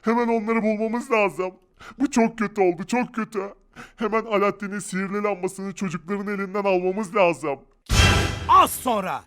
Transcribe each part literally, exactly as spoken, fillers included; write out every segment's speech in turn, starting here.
Hemen onları bulmamız lazım. Bu çok kötü oldu, çok kötü. Hemen Alaaddin'in sihirli lambasını çocukların elinden almamız lazım. Az sonra.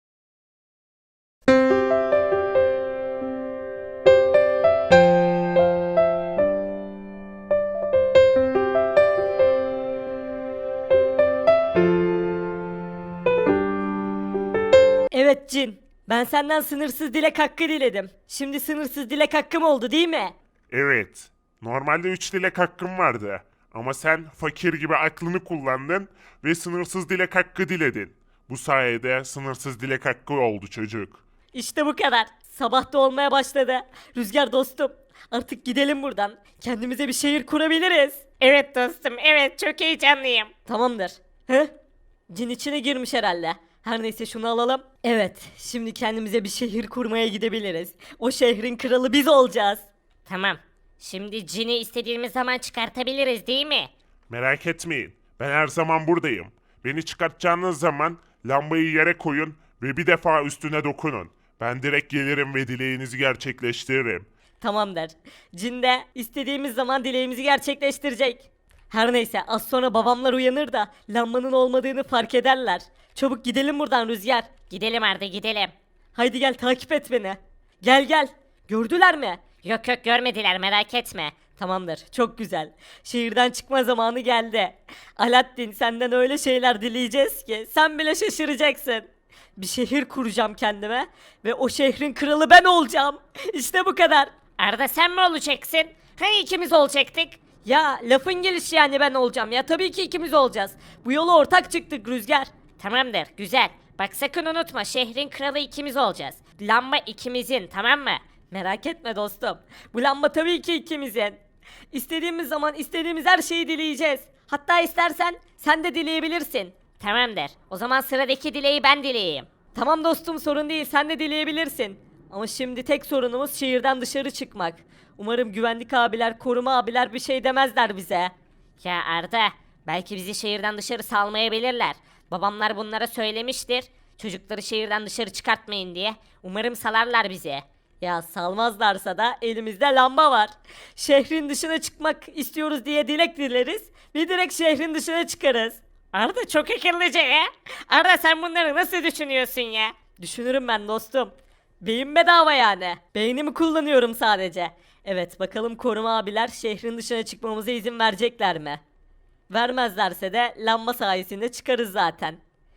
Evet Cin. Ben senden sınırsız dilek hakkı diledim. Şimdi sınırsız dilek hakkım oldu değil mi? Evet. Normalde üç dilek hakkım vardı. Ama sen fakir gibi aklını kullandın ve sınırsız dilek hakkı diledin. Bu sayede sınırsız dilek hakkı oldu çocuk. İşte bu kadar. Sabah da olmaya başladı. Rüzgar dostum. Artık gidelim buradan. Kendimize bir şehir kurabiliriz. Evet dostum, evet çok heyecanlıyım. Tamamdır. He? Cin içine girmiş herhalde. Her neyse şunu alalım. Evet, şimdi kendimize bir şehir kurmaya gidebiliriz. O şehrin kralı biz olacağız. Tamam. Şimdi cini istediğimiz zaman çıkartabiliriz değil mi? Merak etmeyin. Ben her zaman buradayım. Beni çıkartacağınız zaman lambayı yere koyun ve bir defa üstüne dokunun. Ben direkt gelirim ve dileğinizi gerçekleştiririm. Tamamdır. Cin de istediğimiz zaman dileğimizi gerçekleştirecek. Her neyse az sonra babamlar uyanır da lambanın olmadığını fark ederler. Çabuk gidelim buradan Rüzgar. Gidelim Arda gidelim. Haydi gel takip et beni. Gel gel. Gördüler mi? Yok yok görmediler merak etme. Tamamdır. Çok güzel. Şehirden çıkma zamanı geldi. Alaaddin senden öyle şeyler dileyeceğiz ki sen bile şaşıracaksın. Bir şehir kuracağım kendime ve o şehrin kralı ben olacağım. İşte bu kadar. Arda sen mi olacaksın? Hani ikimiz olacaktık? Ya lafın gelişi yani ben olacağım ya tabii ki ikimiz olacağız. Bu yola ortak çıktık Rüzgar. Tamamdır güzel. Bak sakın unutma şehrin kralı ikimiz olacağız. Lamba ikimizin tamam mı? Merak etme dostum. Bu lamba tabii ki ikimizin. İstediğimiz zaman istediğimiz her şeyi dileyeceğiz. Hatta istersen sen de dileyebilirsin. Tamamdır. O zaman sıradaki dileği ben dileyeyim. Tamam dostum sorun değil sen de dileyebilirsin. Ama şimdi tek sorunumuz şehirden dışarı çıkmak. Umarım güvenlik abiler, koruma abiler bir şey demezler bize. Ya Arda belki bizi şehirden dışarı salmayabilirler. Babamlar bunlara söylemiştir. Çocukları şehirden dışarı çıkartmayın diye. Umarım salarlar bizi. Ya salmazlarsa da elimizde lamba var. Şehrin dışına çıkmak istiyoruz diye dilek dileriz ve direkt şehrin dışına çıkarız. Arda çok akıllıca ya. Arda sen bunları nasıl düşünüyorsun ya? Düşünürüm ben dostum. Beyin bedava yani. Beynimi kullanıyorum sadece. Evet bakalım koruma abiler şehrin dışına çıkmamıza izin verecekler mi? Vermezlerse de lamba sayesinde çıkarız zaten.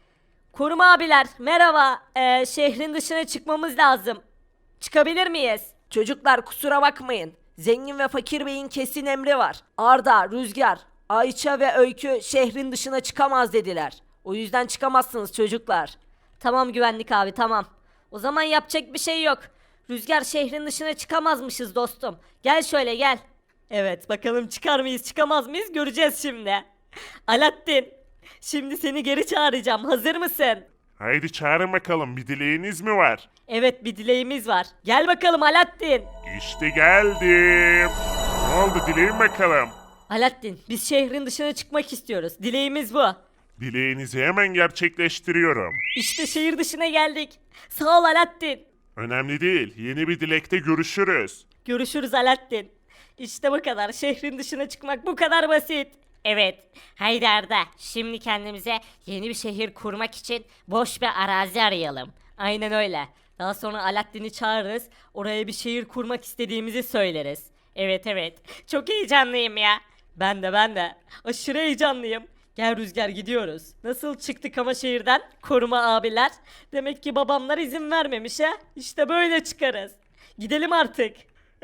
Koruma abiler merhaba. Ee, şehrin dışına çıkmamız lazım. Çıkabilir miyiz? Çocuklar kusura bakmayın. Zengin ve fakir beyin kesin emri var. Arda, Rüzgar, Ayça ve Öykü şehrin dışına çıkamaz dediler. O yüzden çıkamazsınız çocuklar. Tamam güvenlik abi tamam. O zaman yapacak bir şey yok. Rüzgar şehrin dışına çıkamazmışız dostum. Gel şöyle gel. Evet bakalım çıkar mıyız çıkamaz mıyız göreceğiz şimdi. Alaaddin. Şimdi seni geri çağıracağım. Hazır mısın? Haydi çağırın bakalım, bir dileğiniz mi var? Evet bir dileğimiz var. Gel bakalım Alaaddin. İşte geldim. Ne oldu, dileyin bakalım. Alaaddin biz şehrin dışına çıkmak istiyoruz. Dileğimiz bu. Dileğinizi hemen gerçekleştiriyorum. İşte şehir dışına geldik. Sağ ol Alaaddin. Önemli değil, yeni bir dilekte görüşürüz. Görüşürüz Alaaddin. İşte bu kadar. Şehrin dışına çıkmak bu kadar basit. Evet. Haydi Arda şimdi kendimize yeni bir şehir kurmak için boş bir arazi arayalım. Aynen öyle. Daha sonra Alaaddin'i çağırırız. Oraya bir şehir kurmak istediğimizi söyleriz. Evet evet. Çok heyecanlıyım ya. Ben de ben de. Aşırı heyecanlıyım. Gel Rüzgar gidiyoruz. Nasıl çıktık ama şehirden? Koruma abiler. Demek ki babamlar izin vermemiş ha. İşte böyle çıkarız. Gidelim artık.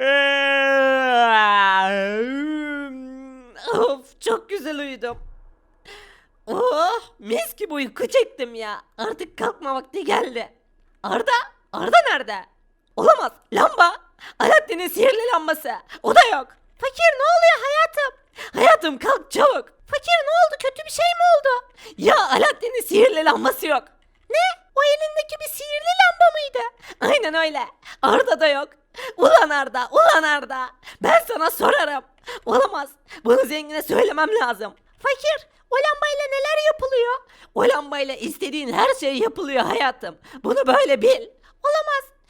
Of çok güzel uyudum. Oh mis gibi uyku çektim ya. Artık kalkma vakti geldi. Arda? Arda nerede? Olamaz. Lamba. Alaaddin'in sihirli lambası. O da yok. Fakir ne oluyor hayatım? Hayatım kalk çabuk. Fakir ne oldu? Kötü bir şey mi oldu? Ya Alaaddin'in sihirli lambası yok. Ne? O elindeki bir sihirli lamba mıydı? Aynen öyle. Arda da yok. Ulan Arda, ulan Arda. Ben sana sorarım. Olamaz. Bunu zengine söylemem lazım. Fakir, o lambayla neler yapılıyor? O lambayla istediğin her şey yapılıyor hayatım. Bunu böyle bil. Olamaz.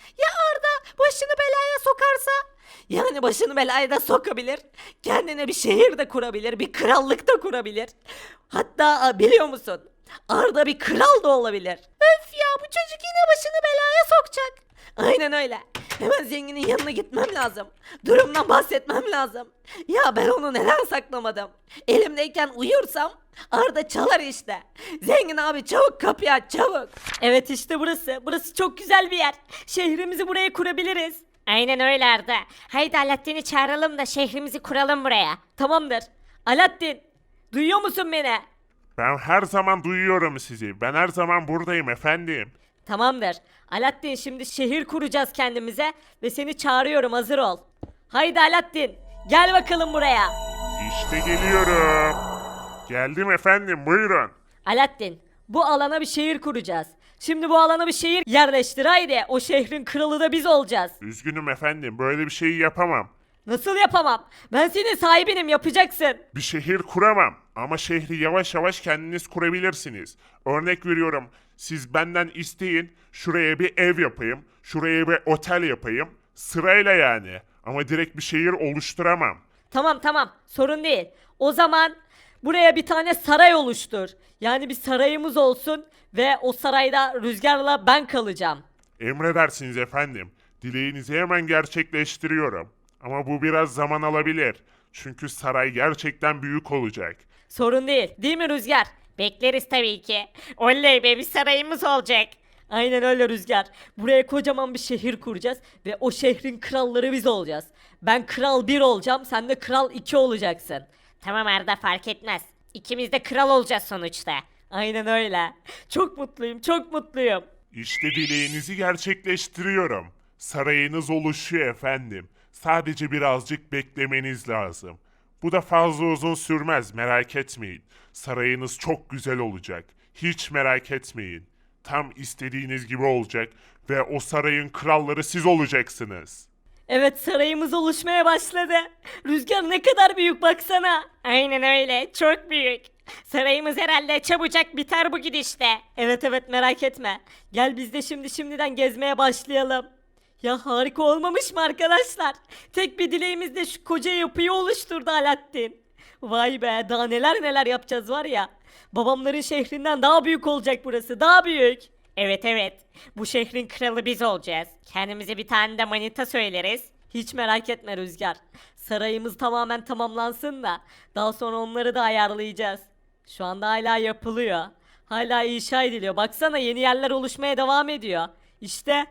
Ya Arda başını belaya sokarsa? Yani başını belaya da sokabilir. Kendine bir şehir de kurabilir. Bir krallık da kurabilir. Hatta a, biliyor musun? Arda bir kral da olabilir. Öf ya bu çocuk yine başını belaya sokacak. Aynen öyle. Hemen zenginin yanına gitmem lazım. Durumdan bahsetmem lazım. Ya ben onu neden saklamadım? Elimdeyken uyursam Arda çalar işte. Zengin abi çabuk kapıyı aç çabuk. Evet işte burası. Burası çok güzel bir yer. Şehrimizi buraya kurabiliriz. Aynen öyle Arda. Haydi Alaaddin'i çağıralım da şehrimizi kuralım buraya. Tamamdır. Alaaddin, duyuyor musun beni? Ben her zaman duyuyorum sizi. Ben her zaman buradayım efendim. Tamamdır. Alaaddin şimdi şehir kuracağız kendimize ve seni çağırıyorum hazır ol. Haydi Alaaddin gel bakalım buraya. İşte geliyorum. Geldim efendim buyurun. Alaaddin bu alana bir şehir kuracağız. Şimdi bu alana bir şehir yerleştir haydi. O şehrin kralı da biz olacağız. Üzgünüm efendim böyle bir şeyi yapamam. Nasıl yapamam? Ben senin sahibinim yapacaksın. Bir şehir kuramam ama şehri yavaş yavaş kendiniz kurabilirsiniz. Örnek veriyorum siz benden isteyin şuraya bir ev yapayım, şuraya bir otel yapayım. Sırayla yani ama direkt bir şehir oluşturamam. Tamam tamam sorun değil. O zaman buraya bir tane saray oluştur. Yani bir sarayımız olsun ve o sarayda Rüzgar'la ben kalacağım. Emredersiniz efendim. Dileğinizi hemen gerçekleştiriyorum. Ama bu biraz zaman alabilir. Çünkü saray gerçekten büyük olacak. Sorun değil. Değil mi Rüzgar? Bekleriz tabii ki. Oley be bir sarayımız olacak. Aynen öyle Rüzgar. Buraya kocaman bir şehir kuracağız ve o şehrin kralları biz olacağız. Ben kral bir olacağım, sen de kral iki olacaksın. Tamam Arda fark etmez. İkimiz de kral olacağız sonuçta. Aynen öyle. Çok mutluyum, çok mutluyum. İşte dileğinizi gerçekleştiriyorum. Sarayınız oluşuyor efendim. Sadece birazcık beklemeniz lazım. Bu da fazla uzun sürmez merak etmeyin. Sarayınız çok güzel olacak. Hiç merak etmeyin. Tam istediğiniz gibi olacak ve o sarayın kralları siz olacaksınız. Evet sarayımız oluşmaya başladı. Rüzgar ne kadar büyük baksana. Aynen öyle çok büyük. Sarayımız herhalde çabucak biter bu gidişte. Evet evet merak etme. Gel biz de şimdi şimdiden gezmeye başlayalım. Ya harika olmamış mı arkadaşlar? Tek bir dileğimizde şu koca yapıyı oluşturdu Alaaddin. Vay be daha neler neler yapacağız var ya. Babamların şehrinden daha büyük olacak burası daha büyük. Evet evet. Bu şehrin kralı biz olacağız. Kendimize bir tane de manita söyleriz. Hiç merak etme Rüzgar. Sarayımız tamamen tamamlansın da daha sonra onları da ayarlayacağız. Şu anda hala yapılıyor. Hala inşa ediliyor. Baksana yeni yerler oluşmaya devam ediyor. İşte.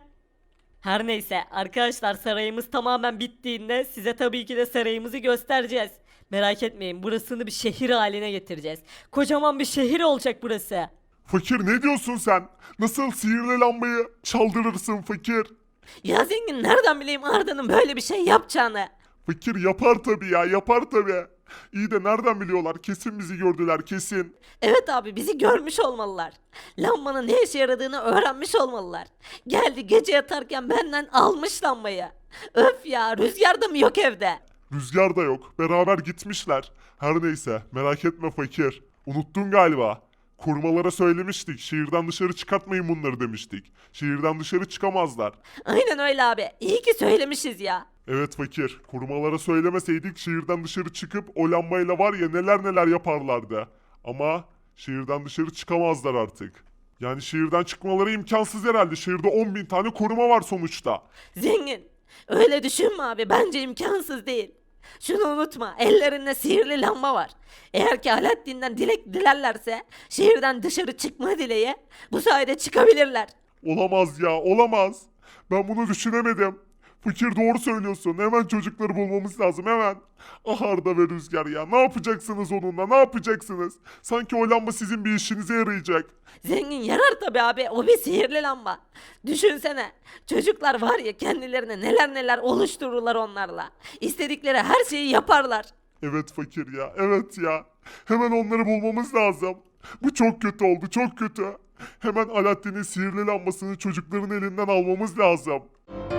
Her neyse arkadaşlar sarayımız tamamen bittiğinde size tabii ki de sarayımızı göstereceğiz. Merak etmeyin burasını bir şehir haline getireceğiz. Kocaman bir şehir olacak burası. Fakir ne diyorsun sen? Nasıl sihirli lambayı çaldırırsın fakir? Ya zengin nereden bileyim Arda'nın böyle bir şey yapacağını? Fakir yapar tabii ya yapar tabii. İyi de nereden biliyorlar? Kesin bizi gördüler kesin. Evet abi bizi görmüş olmalılar. Lambanın ne işe yaradığını öğrenmiş olmalılar. Geldi gece yatarken benden almış lambayı. Öf ya Rüzgar da mı yok evde? Rüzgar da yok. Beraber gitmişler. Her neyse merak etme fakir. Unuttun galiba. Kurmalara söylemiştik. Şehirden dışarı çıkartmayın bunları demiştik. Şehirden dışarı çıkamazlar. Aynen öyle abi. İyi ki söylemişiz ya. Evet fakir. Kurmalara söylemeseydik şehirden dışarı çıkıp o lambayla var ya neler neler yaparlardı. Ama şehirden dışarı çıkamazlar artık. Yani şehirden çıkmaları imkansız herhalde. Şehirde on bin tane koruma var sonuçta. Zengin. Öyle düşünme abi. Bence imkansız değil. Şunu unutma. Ellerinde sihirli lamba var. Eğer ki Alaaddin'den dilek dilerlerse şehirden dışarı çıkma dileği bu sayede çıkabilirler. Olamaz ya olamaz. Ben bunu düşünemedim. Fakir doğru söylüyorsun. Hemen çocukları bulmamız lazım hemen. Ah Arda ve Rüzgar ya. Ne yapacaksınız onunla? Ne yapacaksınız? Sanki o lamba sizin bir işinize yarayacak. Zengin yarar tabi abi. O bir sihirli lamba. Düşünsene. Çocuklar var ya kendilerine neler neler oluştururlar onlarla. İstedikleri her şeyi yaparlar. Evet fakir ya. Evet ya. Hemen onları bulmamız lazım. Bu çok kötü oldu. Çok kötü. Hemen Alaaddin'in sihirli lambasını çocukların elinden almamız lazım.